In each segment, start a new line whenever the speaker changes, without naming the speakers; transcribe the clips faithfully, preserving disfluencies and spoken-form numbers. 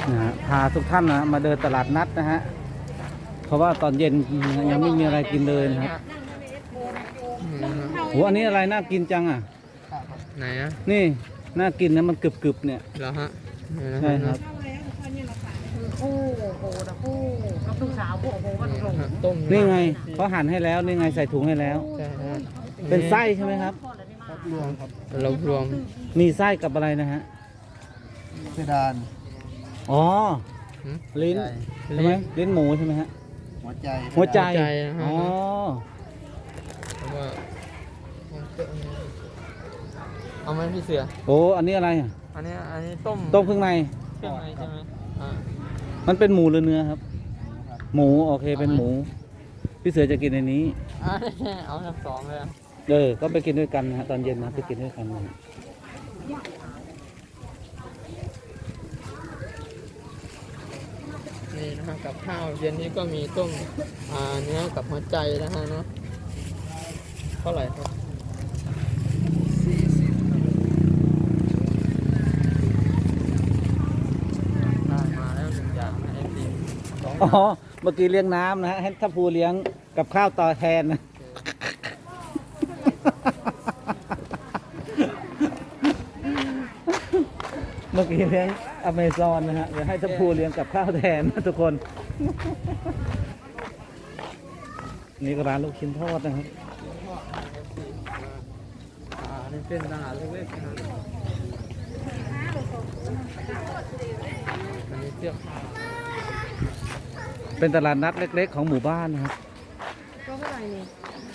นะฮะพาทุกท่านนะมาเดินตลาดนัดนะฮะเพราะว่าตอนเย็นยังไม่มีอะไรกินเลยนะครับโหอันนี้อะไรน่ากินจังอ่ะ
ไหนอะ
นี่น่ากินนะมันกรึบๆเนี่ย
เหรอฮะ
ใช่ครับ
คู่โอ้โหนะคู่น้ำตุ้งสาวคู่โอ้โหก็ถูก
ต้ม
นี่ไงเขาหั่นให้แล้วนี่ไงใส่ถุงให้แล้วเป็นไส้ใช่ไหมครับ
รวมครับเรารวม
มีไส้กับอะไรนะฮะ
เพดาน
อ๋อลิ้นใช่ไหมลิ้นหมูใช่ไหมฮะ
หัวใจ
หัวใจอ๋อ
เอาไหมพี่เสือ
โอ้อันนี้อะไรอ่ะ
อันนี้อันนี้ต้ม
ต้มเครื่องใน
เครื่องในใช่ไหมอ่า
มันเป็นหมูหรือเนื้อครับหมูโอเคเป็นหมูพี่เสือจะกินในนี้
อ่าเอาทั้งสองเลย
เออก็ไปกินด้วยกันนะฮะตอนเย็นนะไปกินด้วยกันนะ
นี่นะฮะกับข้าวเย็นนี้ก็มีต้มอ่าเนื้อกับหัวใจนะฮะเนาะเท่าไหร่ครับสี่สิบได้มาแล้วหนึ่งอย่างนะเอฟซี
อ๋อเมื่อกี้เลี้ยงน้ำนะฮะให้ทัพภูเลี้ยงกับข้าวต่อแทนนะเมื่อกี้เลี้ยงอเมซอนนะฮะเดี๋ยวให้ทัพภูเลี้ยงกับข้าวแทนนะทุกคนนี่ก็ร้านลูกชิ้นทอดนะครับ
อ่านี่เป็นตลาดเล็กๆนะอันนี้เสื้อผ้า
เป็นตลาดนัดเล็กๆของหมู่บ้านนะครับ
ก็เท่าไหร่นี่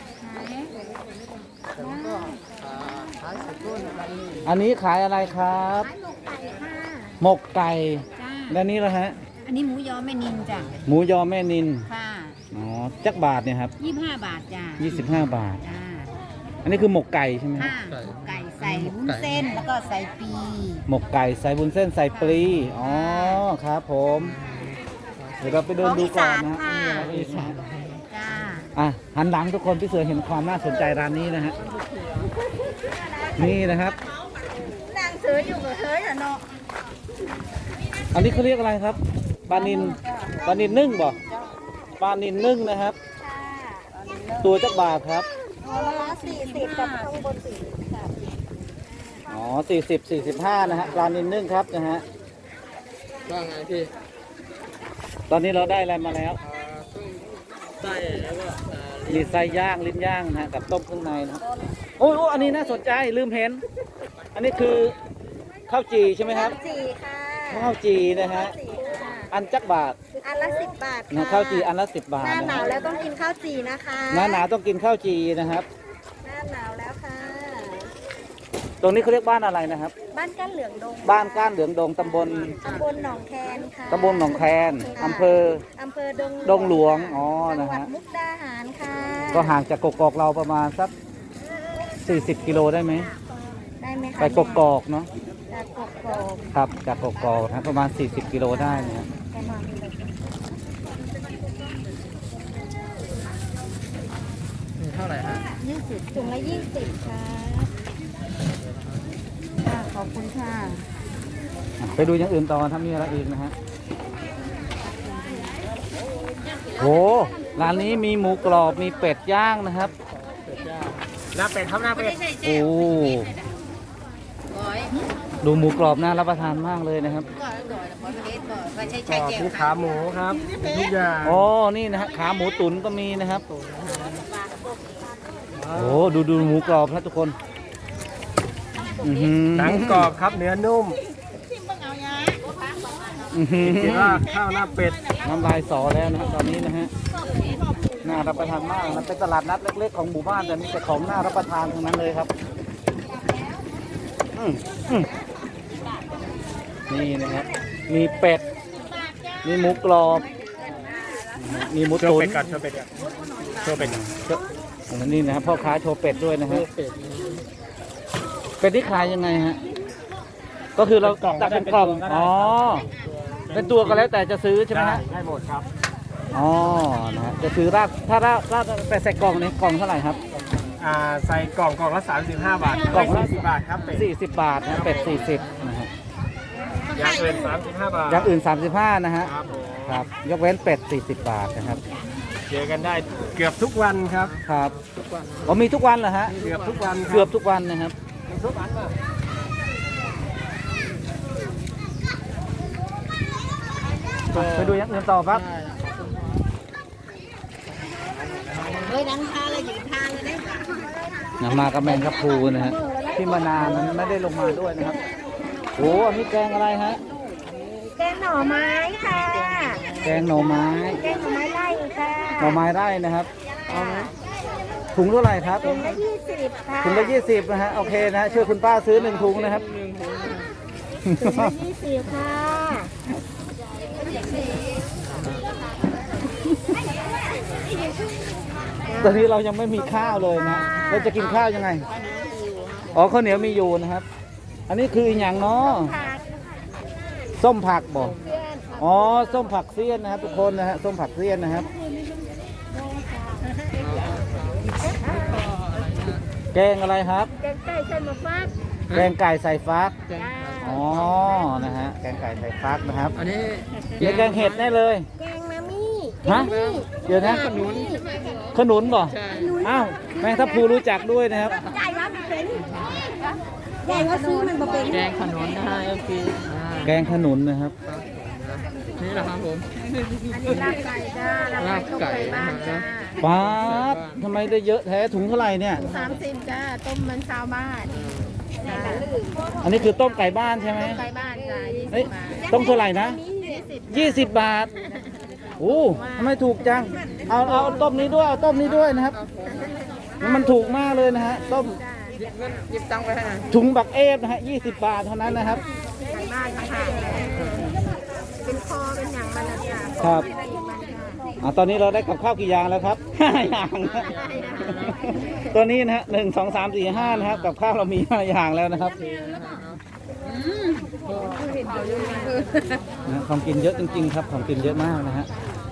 แล้วก็ขายสุดต้นอะไรนี่
อันนี้ขายอะไรครับหมกไก่แล้วนี้ละฮะ
อันนี้หมูยอแม่นินจ้ะ
หมูยอแม่นิน
ค่ะ
อ๋อจักบาทเนี่ยครับ
ยี่สิบห้าบาทจ้ะ
ยี่สิบห้าบาท
จ้า
อันนี้คือหมกไก่ใช่ไหม
ค่ะหมกไก่ใส่วุ้นเส้นแล้วก็ใส่ปี
หมกไก่ใส่บุญเส้นใส่ปลีอ๋อครับผมเดี๋ยวเราไปเดินดูก่อนนะ
อีสานจ้า
อ่ะหันหลังทุกคนพี่เสือเห็นความน่าสนใจร้านนี้นะฮะนี่นะครับ
นางเสืออยู่กับเธออย่าเนาะ
อันนี้เขาเรียกอะไรครับปลานินปลานินนึ่งบ่ปลานินนึ่งนะครับตัวจักบาทครับ
ตัวละสี่สิบกับข้างบนสี่สิบ
อ๋อสี่สิบสี่สิบห้านะฮะปลานินนึ่งครับนะฮะ
ว่าไงพี่
ตอนนี้เราได้อะไรมาแล้ว
ไส้แล้วก็
มีไส้ย่างลิ้นย่างนะกับต้มเครื่องในนะโอ้โหอันนี้น่าสนใจลืมเห็นอันนี้คือข้าวจีใช่ไหมครับ
จีค่ะ
ข้าวจีนะฮะอันจักบาท
อันละสิบบาท
นะข้าวจีอันละสิบบาท
หน้าหนาวแล้วต้องกินข้าวจีนะคะ
หน้าหนาวต้องกินข้าวจีนะครับ
หน้าหนาวแล้วค่ะ
ตรงนี้เขาเรียกบ้านอะไรนะครับ
บ้านก้านเหลืองดง
บ้านก้านเหลืองดงตำบล
ตำบลหนองแคนค่ะ
ตำบลหนองแคนอำเภอ
อำเภอดง
ดงหลวงอ๋อนะฮะ
มุกดาหารค่ะ
ก็ห่างจากกกอกเราประมาณสักสี่สิบกิโลได้ไหม
ได้ไหมคะ
ไปกกอกเนาะ
จากกกอก
ครับจากกกอกนะประมาณสี่สิบกิโลได้นะ
ประมาณนี้
เท่าไหร่ฮะ
ยี่สิบถุงละยี่สิบค่ะค่ะขอบคุณค่ะ
ไปดูอย่างอื่นต่อถ้ามีอะไรอีกนะฮะโหร้านนี้มีหมูกรอบมีเป็ดย่างนะครับ
หน้าเป็ดครับหน้าเป็ด
โอ้ดูหมูกรอบน่ารับประทานมากเลยนะครับ
มีขาหมูครับทุกอย่าง
อ๋อนี่นะฮะขาหมูตุ๋นก็มีนะครับโอ้ดูดูหมูกรอบนะทุกคน
หนังกรอบครับเนื้อนุ่มคิดว่าข้าวหน้าเป็ด
น้ำลายสอแล้วนะตอนนี้นะฮะน่ารับประทานมากมันเป็นตลาดนัดเล็กๆของหมู่บ้านแต่มีแต่ของน่ารับประทานทั้งนั้นเลยครับนี่นะครับมีเป็ดมีหมูกรอบมีหมูตุ๋น
โชว์เป็ดก่อนโชว์เป็ดก่อนโชว์เป็ดก่อน
นี่นะครับพ่อค้าโชว์เป็ดด้วยนะฮะเป็ดที่ขายยังไงฮะก็คือเราตักเป็นกล่องอ๋อเป็นตัวก็แล้วแต่จะซื้อใช่ไหมฮะ
ได้หมดครับ
อ๋อนะฮะจะซื้อราดถ้าราดราดแต่ใส่กล่องนี้กล่องเท่าไหร่ครับ
อ่าใส่กล่องกล่องละสามสิบห้าบาท
กล่องละ
สี่สิบบาทครับเป็ด
สี่สิบบาทนะเป็ดสี่สิบนะฮะ
อย่างอื่นสามสิบห้าบาท
อย่างอื่นสามสิบห้านะฮะ
ครับผม
ครับยกเว้นเป็ดสี่สิบบาทนะครับ
เจอกันได้เกือบทุกวันครับ
ครับ
ทุกวัน
อ๋อมีทุกวันเหรอฮะ
เกือบทุกวันครับ
เกือบทุกวันนะครับ
ทุกวันป่ะ
ไปดูอย่างอื่นต่อครับ
ได้นะ
เฮ้ยดังทางเลยหยิบทางเลยได้ไหม
นะมากับแมงครับพูนะฮะที่มานานนั้นไม่ได้ลงมาด้วยนะครับโอ้อันนี้แกงอะไรฮะ
แกงหน่อไม้ค่ะ
แกงหน่อไม้
แกงหน่อไม้ไล่ค่ะ
หน่อไม้ไร่นะครับเอาไหมถุงเท่าไหร่ครับ
ถุงละยี่สิบค่ะ
ถุงละยี่สิบนะฮะโอเคนะฮะช่วยคุณป้าซื้อหนึ่งถุงนะครับ
หนึ่งถุง
ถุงละยี่สิบค่ะ
ตอนนี้เรายังไม่มีข้าวเลยนะเราจะกินข้าวยังไงอ๋อข้าวเหนียวมีอยู่นะครับ อันนี้คืออย่างเนาะ
ผัก
ส้มผักบอก
เพื่อนค่ะ
อ๋อส้มผักเสี้ยนนะครับทุกคนนะฮะส้มผักเสี้ยนนะครับ แกงอะไรครับ
แกงไก่เส้นหมูฟัก
แกงไก่ใส่ฟัก
แกง
อ๋อนะฮะแกงไก่ใส่ฟักนะครับ
อันนี้
เดี๋ยวแกงเห็ดแน่เลย
แกงมามี่
ฮะเดี๋ยวนะ
ขนุน
ขนุนบ่
ใช่
อ้าวแมงทับพลูรู้จักด้วยนะครับ
ใหญ่ว่าเป็นใหญ่ว่าซื้อมันมาเป็น
แกงขนุนนะฮะโอเคอ่า
แกงขนุนนะครับ
นี่แหละครับผม
อันนี้ลาบไก่จ้าลาบไก่ต้มไก่บ้านจ้า
ป๊าดทำไมได้เยอะแท้ถุงเท่าไหร่เนี่ย
สามสิบจ้าต้มมันชาวบ้านจ้า
อันนี้คือต้มไก่บ้านใช่ไหม
ไก่บ้านจ้ายี่
เอ้
สิ
ย
บบาท
ต้มเท่าไหร่นะ
ยี่สิบ
ยี่สิบบาทโอ้ทำไมถูกจังเอาเอาต้มนี้ด้วยเอาต้มนี้ด้วยนะครับมันถูกมากเลยนะฮะต้ม
หยิบเงินหยิบตังค์ไปให้หน่อย
ถุงบักเอฟนะฮะยี่สิบบาทเท่านั้นนะครับ
ไก่บ้านต่างหากเป็นคอเป็นอย่างมันนะจ้า
ครับ
เป็นอย่างมันจ้า
อ่าตอนนี้เราได้กับข้าวกี่อย่างแล้วครับ ห้าอย่างนะตัวนี้นะฮะหนึ่งสองสามสี่ห้านะครับกับข้าวเรามีห้าอย่างแล้วนะครับนะของกินเยอะจริงๆครับของกินเยอะมากนะฮะ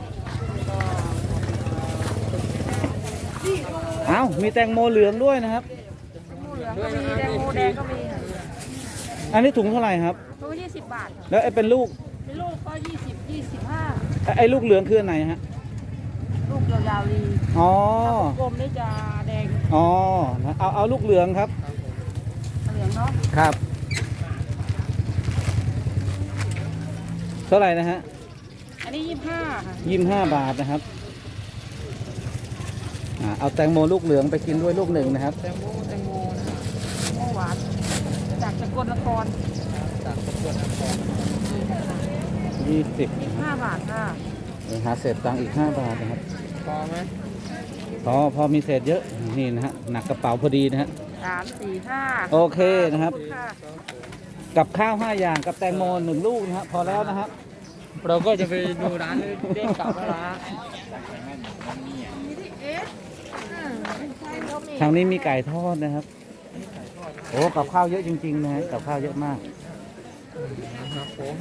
เอ้ามีแตงโมเหลืองด้วยนะครับ
ด้วยนะค
แด
รับ
งโมแดงก็มี
อันนี้ถุงเท่าไหร่ครับ
ตัวยี่สิบบาท
แล้วไอ้เป็นลูก
เป็นลูกก็ยี่สิบยี่สิบห้า
ไอ้ไอ้ลูกเหลืองคืออันไหนฮะ
ลูกยาวๆดี
อ๋อก
ลมนี่จะแดง
อ๋อนะเอาเอาลูกเหลืองครับ
เหลืองเนาะ
ครับเท่าไหร่นะฮะ
อันนี้ยี่สิบห้าค่ะ
ยี่สิบห้าบาทนะครับอ่าเอาแตงโมลูกเหลืองไปกินด้วยลูกหนึ่งนะครับ
แตงโมแตงโมนะฮะ
โมหวานจากสกลนคร
จากสกลนคร
ยี่สิบ
ยี่สิบห้าบาทค่ะ
หาเศษตังค์อีกห้าบาทนะครับ
พอไหม
พอพอมีเศษเยอะนี่นะฮะหนักกระเป๋าพอดีนะฮะ
สามสี่ห้า
โอเคนะครับ
ขอณค่ะ
กับข้าวห้าอย่างกับแตงโมหนึ่งลูกนะฮะพอแล้วนะครับ
เราก็จะไปดูร้านเด้งกลับแล้วนะ
ทางนี้มีไก่ทอดนะครับโอ้กับข้าวเยอะจริงๆนะฮะกับข้าวเยอะมาก
นะครับผม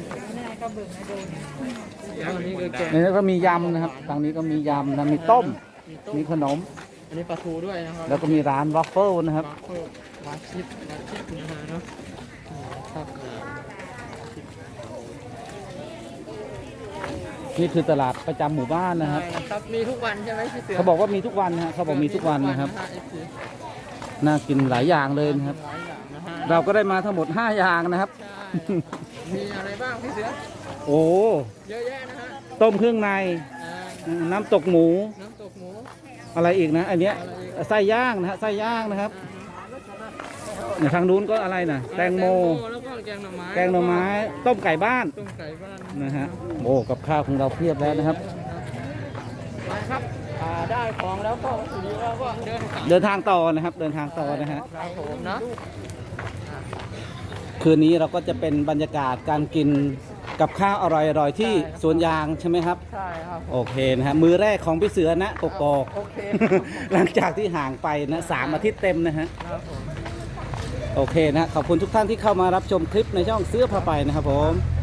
แล้วอันนี้คือแกง
ในนี้ก็มียำนะครับทางนี้ก็มียำนะมีต้มมีขนม
อันนี้ปลาทูด้วยนะครับ
แล้วก็มีร้านวอฟเฟิลนะครับ
วาฟเฟิลวาชิปวาชิปนะฮะเนาะอืมครับ
นี่คือตลาดประจำหมู่บ้านนะครับ
ใช่ครับมีทุกวันใช่ไหมพี่เสือ
เขาบอกว่ามีทุกวันนะฮะเขาบอกมีทุกวันนะครับ
มีทุกวันนะฮะ เอฟ ซี
น่ากินหลายอย่างเลยนะครับ
หลายอย่างนะฮะ
เราก็ได้มาทั้งหมดห้าอย่างนะครับ
ใช่มีอะไรบ้างพี่เสือ
โอ้
เยอะแยะนะฮะ
ต้มเครื่องใน
อ่า
น้ำตกหมู
น้ำตกหมู
อะไรอีกนะ อันเนี้ย
อะไรอีก
ไส้ย่างนะฮะไส้ย่างนะครับเนี่ยทางนู้นก็อะไรนะแตงโม
แล้วก็แกงหน่อไม้
แกงหน่อไม้ ต้มไก่บ้าน
ต้มไก่บ้าน
นะฮะโอ้กับข้าวของเราเพียบแล้วนะครับ
ไปครับอ่าได้ของแล้วก็ทีนี้เราก็เดินกลับ
เดินทางต่อนะครับ เดินทางต่อนะฮะ
ครับผมนะ
คืนนี้เราก็จะเป็นบรรยากาศการกินกับข้าวอร่อยๆที่สวนยางใช่ไหมครับ
ใช่ครับ
โอเคนะฮะมือแรกของพี่เสือนะกกอก
โอเค
หลังจากที่ห่างไปนะสามอาทิตย์เต็มนะฮะ
ครับผม
โอเคนะขอบคุณทุกท่านที่เข้ามารับชมคลิปในช่องเสื้อผ้าไปนะครับผม